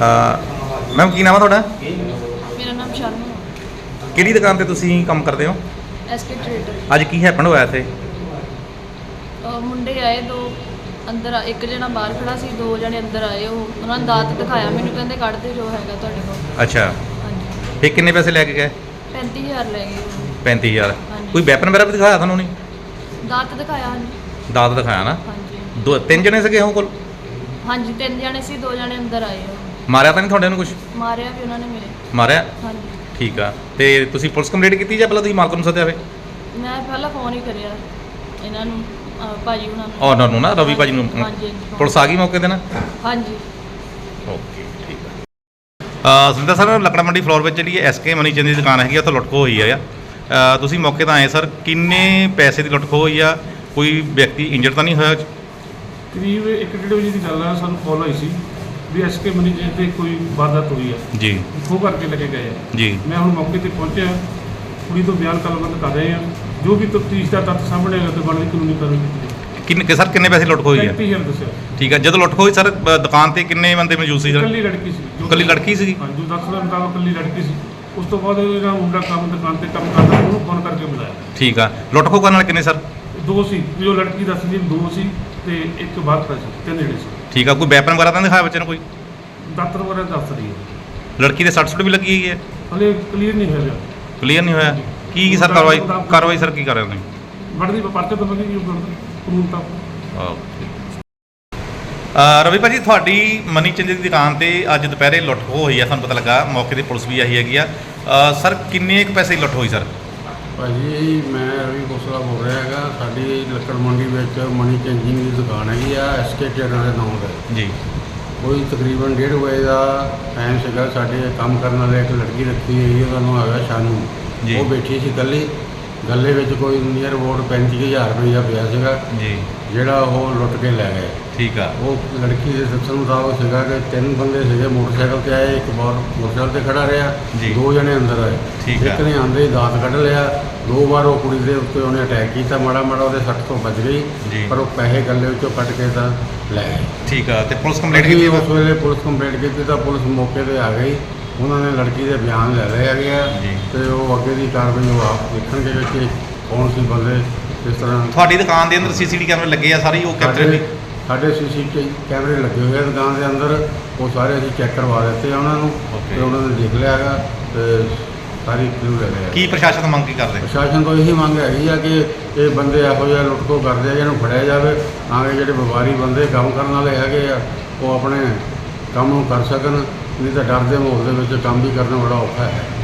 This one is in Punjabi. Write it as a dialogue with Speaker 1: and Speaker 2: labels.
Speaker 1: ਮੈਮ ਕੀ ਨਾਮ ਹੈ ਤੁਹਾਡਾ?
Speaker 2: ਮੇਰਾ ਨਾਮ ਸ਼ਾਨੂ ਹੈ।
Speaker 1: ਕਿਹੜੀ ਦੁਕਾਨ ਤੇ ਤੁਸੀਂ ਕੰਮ ਕਰਦੇ ਹੋ?
Speaker 2: SK trader.
Speaker 1: ਅੱਜ ਕੀ ਹੈਪਨ ਹੋਇਆ ਇੱਥੇ?
Speaker 2: ਮੁੰਡੇ ਆਏ ਦੋ ਅੰਦਰ, ਇੱਕ ਜਣਾ ਬਾਹਰ ਖੜਾ ਸੀ, ਦੋ ਜਣੇ ਅੰਦਰ ਆਏ। ਉਹਨਾਂ ਨੇ ਦਾਤ ਦਿਖਾਇਆ ਮੈਨੂੰ, ਕਹਿੰਦੇ ਕੱਢ ਦੇ ਜੋ ਹੈਗਾ ਤੁਹਾਡੇ ਕੋਲ।
Speaker 1: ਅੱਛਾ,
Speaker 2: ਹਾਂਜੀ।
Speaker 1: ਫਿਰ ਕਿੰਨੇ ਪੈਸੇ ਲੈ ਕੇ ਗਏ?
Speaker 2: 35000 ਲੈ ਗਏ ਉਹ।
Speaker 1: 35000।
Speaker 2: ਹਾਂਜੀ।
Speaker 1: ਕੋਈ ਵੈਪਨ ਵਗੈਰਾ ਵੀ ਦਿਖਾਇਆ ਤੁਹਾਨੂੰ? ਨਹੀਂ,
Speaker 2: ਦਾਤ ਦਿਖਾਇਆ। ਹਾਂਜੀ।
Speaker 1: ਦਾਤ ਦਿਖਾਇਆ ਨਾ?
Speaker 2: ਹਾਂਜੀ।
Speaker 1: ਦੋ ਤਿੰਨ ਜਣੇ ਸੀਗੇ ਉਹ ਕੋਲ?
Speaker 2: ਹਾਂਜੀ, 3 ਜਣੇ ਸੀ, 2 ਜਣੇ ਅੰਦਰ ਆਏ ਉਹ।
Speaker 1: ਮਾਰਿਆ ਤਾਂ ਨਹੀਂ ਤੁਹਾਡੇ ਨੂੰ ਕੁਝ?
Speaker 2: ਮਾਰਿਆ ਵੀ ਉਹਨਾਂ ਨੇ ਮੇਰੇ।
Speaker 1: ਮਾਰਿਆ?
Speaker 2: ਹਾਂਜੀ।
Speaker 1: ਠੀਕ ਆ। ਤੇ ਤੁਸੀਂ ਪੁਲਿਸ ਕੰਪਲੇਂਟ ਕੀਤੀ ਜਾਂ ਪਹਿਲਾਂ ਤੁਸੀਂ ਮਾਲਕ ਨੂੰ ਸੱਦਿਆ ਵੇ?
Speaker 2: ਮੈਂ ਪਹਿਲਾਂ ਫੋਨ ਹੀ ਕਰਿਆ ਇਹਨਾਂ ਨੂੰ, ਭਾਜੀ ਉਹਨਾਂ ਨੂੰ।
Speaker 1: ਉਹਨਾਂ ਨੂੰ ਨਾ, ਰਵੀ ਭਾਜੀ ਨੂੰ।
Speaker 2: ਹਾਂਜੀ।
Speaker 1: ਪੁਲਿਸ ਆ ਗਈ ਮੌਕੇ ਤੇ ਨਾ?
Speaker 2: ਹਾਂਜੀ।
Speaker 1: ਓਕੇ, ਠੀਕ ਆ। ਸੁਰਿੰਦਰ ਸਰ, ਲੱਕੜਾ ਮੰਡੀ ਫਲੋਰ ਵਿੱਚ ਜਿਹੜੀ ਐਸਕੇ ਮਨੀ ਚੰਦ ਦੀ ਦੁਕਾਨ ਹੈਗੀ, ਉੱਥੇ ਲੁੱਟ ਖੋਹ ਹੋਈ ਆ। ਤੁਸੀਂ ਮੌਕੇ ਤਾਂ ਆਏ ਸਰ, ਕਿੰਨੇ ਪੈਸੇ ਦੀ ਲੁੱਟ ਖੋਹ ਹੋਈ ਆ? ਕੋਈ ਵਿਅਕਤੀ ਇੰਜਰਡ ਤਾਂ ਨਹੀਂ ਹੋਇਆ?
Speaker 3: ਕਰੀਬ 1-1.5 ਵਜੇ ਦੀ ਗੱਲ ਆ, ਸਾਨੂੰ ਕਾਲ ਆਈ ਸੀ ਵੀ ਐਸਕੇ ਮਨੀ ਜੀ ਤੇ ਕੋਈ ਵਾਰਦਾਤ ਹੋਈ ਆ
Speaker 1: ਜੀ।
Speaker 3: ਖੋਹ ਕਰਕੇ ਲੈ ਕੇ ਗਏ ਆ।
Speaker 1: ਜੀ।
Speaker 3: ਮੈਂ ਹੁਣ ਮੌਕੇ ਤੇ ਪਹੁੰਚਿਆ, ਕੁੜੀ ਤੋਂ ਬਿਆਨ ਕਲਮਬੰਦ ਕਰ ਰਹੇ ਆ। ਜੋ ਵੀ ਤਫਤੀਸ਼ ਦਾ ਤੱਥ ਸਾਹਮਣੇ ਆਏਗਾ ਤੇ ਬਣਦੀ ਕਾਨੂੰਨੀ ਕਾਰਵਾਈ ਕੀਤੀ ਜਾਏਗੀ।
Speaker 1: ਸਰ ਕਿੰਨੇ ਪੈਸੇ ਲੁੱਟ ਖੋਹ ਹੋਈ ਆ?
Speaker 3: 35000 ਦੱਸਿਆ।
Speaker 1: ਠੀਕ ਆ। ਜਦੋਂ ਲੁੱਟ ਖੋਹ ਹੋਈ ਸਰ, ਦੁਕਾਨ ਤੇ ਕਿੰਨੇ ਬੰਦੇ ਮੌਜੂਦ ਸੀ ਸਰ?
Speaker 3: ਇਕੱਲੀ ਲੜਕੀ ਸੀ।
Speaker 1: ਇਕੱਲੀ ਲੜਕੀ ਸੀਗੀ?
Speaker 3: ਹਾਂ, ਜੋ ਦੱਸਣ ਦੇ ਮੁਤਾਬਕ ਇਕੱਲੀ ਲੜਕੀ ਸੀ। ਉਸ ਤੋਂ ਬਾਅਦ ਇਹਦਾ ਮੁੰਡਾ ਦੁਕਾਨ ਤੇ ਕੰਮ ਕਰਦਾ, ਉਹਨੂੰ ਫੋਨ ਕਰਕੇ ਬੁਲਾਇਆ।
Speaker 1: ਠੀਕ ਆ। ਲੁੱਟ ਖੋਹ ਕਰਨ ਵਾਲੇ ਕਿੰਨੇ ਸਰ?
Speaker 3: 2 ਸੀ, ਜੋ ਲੜਕੀ ਦੱਸਦੀ 2 ਸੀ ਤੇ ਇੱਕ ਬਾਹਰ ਖੜਾ ਸੀ, 3 ਜਿਹੜੇ ਸੀ।
Speaker 1: ਠੀਕ ਆ। ਕੋਈ ਵੈਪਨ ਵਗੈਰਾ ਤਾਂ ਨਹੀਂ ਦਿਖਾਇਆ ਬੱਚੇ ਨੂੰ ਕੋਈ?
Speaker 3: ਦਾਤਰ ਵਗੈਰਾ ਦੱਸ ਰਹੀ ਹੈ।
Speaker 1: ਲੜਕੀ ਦੇ ਸੱਟ ਸੁੱਟ ਵੀ ਲੱਗੀ ਹੋਈ ਹੈ?
Speaker 3: ਹਲੇ ਕਲੀਅਰ ਨਹੀਂ ਹੋਇਆ।
Speaker 1: ਕਲੀਅਰ ਨਹੀਂ ਹੋਇਆ? ਕੀ ਸਰ ਕਾਰਵਾਈ ਸਰ ਕੀ ਕਰ ਰਹੇ ਹੋ ਤੁਸੀਂ?
Speaker 3: ਬਣਦੀ ਪਰਚੇ ਤੋਂ ਬੰਦੀ ਕਾਨੂੰਨ ਤਾਂ।
Speaker 1: ਰਵੀ ਭਾਜੀ, ਤੁਹਾਡੀ ਮਨੀ ਚੰਦ ਦੀ ਦੁਕਾਨ ਤੇ ਅੱਜ ਦੁਪਹਿਰੇ ਲੁੱਟ ਖੋਹ ਹੋਈ ਆ, ਸਾਨੂੰ ਪਤਾ ਲੱਗਾ। ਮੌਕੇ ਤੇ ਪੁਲਿਸ ਵੀ ਆਈ ਹੈਗੀ ਆ। ਸਰ ਕਿੰਨੇ ਕੁ ਪੈਸੇ ਦੀ ਲੁੱਟ ਹੋਈ ਸਰ?
Speaker 4: ਭਾਜੀ, ਮੈਂ ਰਵੀ ਖੋਸਲਾ ਬੋਲ ਰਿਹਾ ਹੈਗਾ। ਸਾਡੀ ਲੱਕੜ ਮੰਡੀ ਵਿੱਚ ਮਨੀ ਚੰਦ ਜੀ ਦੀ ਦੁਕਾਨ ਹੈਗੀ ਆ, ਐਸਕੇ ਟ੍ਰੇਡਰ ਦੇ ਨਾਮ ਤੇ।
Speaker 1: ਜੀ।
Speaker 4: ਕੋਈ ਤਕਰੀਬਨ 1:30 ਵਜੇ ਦਾ ਟਾਈਮ ਸੀਗਾ। ਸਾਡੇ ਕੰਮ ਕਰਨ ਵਾਲੇ ਇੱਕ ਲੜਕੀ ਰੱਖੀ ਹੋਈ, ਉਹਦਾ ਨਾਮ ਹੈਗਾ ਸ਼ਾਨੂ।
Speaker 1: ਜੀ।
Speaker 4: ਉਹ ਬੈਠੀ ਸੀ ਇਕੱਲੀ। ਗੱਲੇ ਵਿੱਚ ਕੋਈ ਨੀਅਰ ਅਬਾਊਟ 35000 ਰੁਪਈਆ ਪਿਆ ਸੀਗਾ,
Speaker 1: ਜੀ।
Speaker 4: ਜਿਹੜਾ ਉਹ ਲੁੱਟ ਕੇ ਲੈ ਗਏ।
Speaker 1: ਠੀਕ ਆ।
Speaker 4: ਉਹ ਲੜਕੀ ਦੇ ਦੱਸਣ ਮੁਤਾਬਕ ਸੀਗਾ ਕਿ 3 ਬੰਦੇ ਸੀਗੇ, ਮੋਟਰਸਾਈਕਲ ਤੇ ਆਏ, ਇੱਕ ਬਾਹਰ ਮੋਟਰਸਾਈਕਲ ਤੇ ਖੜਾ ਰਿਹਾ,
Speaker 1: ਜੀ।
Speaker 4: 2 ਜਣੇ ਅੰਦਰ ਆਏ।
Speaker 1: ਠੀਕ ਆ।
Speaker 4: ਇੱਕ ਨੇ ਆਂਦੇ ਹੀ ਦਾਤ ਕੱਢ ਲਿਆ। 2 ਵਾਰ ਉਹ ਕੁੜੀ ਦੇ ਉੱਤੇ ਉਹਨੇ ਅਟੈਕ ਕੀਤਾ, ਮਾੜਾ ਮਾੜਾ ਉਹਦੇ ਸੱਟ ਤੋਂ ਬਚ
Speaker 1: ਜੀ।
Speaker 4: ਗਈ, ਪਰ ਉਹ ਪੈਸੇ ਗੱਲੇ ਵਿੱਚੋਂ ਕੱਢ ਕੇ ਤਾਂ ਲੈ ਗਏ।
Speaker 1: ਠੀਕ ਆ। ਤੇ ਪੁਲਿਸ ਕੰਪਲੇਂਟ
Speaker 4: ਅਸੀਂ
Speaker 1: ਕੀਤੀ?
Speaker 4: ਉਸ ਵੇਲੇ ਪੁਲਿਸ ਕੰਪਲੇਂਟ ਕੀਤੀ ਤਾਂ ਪੁਲਿਸ ਮੌਕੇ ਤੇ ਆ ਗਈ। ਉਹਨਾਂ ਨੇ ਲੜਕੀ ਦੇ ਬਿਆਨ ਲੈ ਲਏ ਹੈਗੇ ਆ
Speaker 1: ਜੀ।
Speaker 4: ਤੇ ਉਹ ਅੱਗੇ ਦੀ ਕਾਰਵਾਈ ਉਹ ਆਪ ਦੇਖਣਗੇ ਕਿ ਕੌਣ ਸੀ ਬੰਦੇ ਕਿਸ ਤਰ੍ਹਾਂ।
Speaker 1: ਤੁਹਾਡੀ ਦੁਕਾਨ ਦੇ ਅੰਦਰ ਸੀਸੀਟੀਵੀ ਕੈਮਰੇ ਲੱਗੇ ਆ ਸਾਰੇ, ਉਹ ਕੈਪਚਰ ਵੀ?
Speaker 4: ਸਾਡੇ ਸੀਸੀਟੀਵੀ ਕੈਮਰੇ ਲੱਗੇ ਹੋਏ ਆ ਦੁਕਾਨ ਦੇ ਅੰਦਰ, ਉਹ ਸਾਰੇ ਅਸੀਂ ਚੈੱਕ ਕਰਵਾ ਦਿੱਤੇ ਆ ਉਹਨਾਂ ਨੂੰ।
Speaker 1: Okay।
Speaker 4: ਤੇ ਉਹਨਾਂ ਨੇ ਦੇਖ ਲਿਆ ਹੈਗਾ ਤੇ ਸਾਰੀ ਕਲੂ ਲੈ ਲਿਆ।
Speaker 1: ਕੀ ਪ੍ਰਸ਼ਾਸਨ ਤੋਂ ਮੰਗ ਕੀ ਕਰਦੇ?
Speaker 4: ਪ੍ਰਸ਼ਾਸਨ ਤੋਂ ਇਹੀ ਮੰਗ ਹੈਗੀ ਆ ਕਿ ਇਹ ਬੰਦੇ ਇਹੋ ਜਿਹਾ ਲੁੱਟ ਖੋਹ ਕਰਦੇ ਆ, ਇਹਨੂੰ ਫੜਿਆ ਜਾਵੇ ਤਾਂ ਕਿ ਜਿਹੜੇ ਵਪਾਰੀ ਬੰਦੇ ਕੰਮ ਕਰਨ ਵਾਲੇ ਹੈਗੇ ਆ ਉਹ ਆਪਣੇ ਕੰਮ ਨੂੰ ਕਰ ਸਕਣ। ਨਹੀਂ ਤਾਂ ਡਰ ਦੇ ਮਾਹੌਲ ਦੇ ਵਿੱਚ ਕੰਮ ਵੀ ਕਰਨਾ ਬੜਾ ਔਖਾ ਹੈ।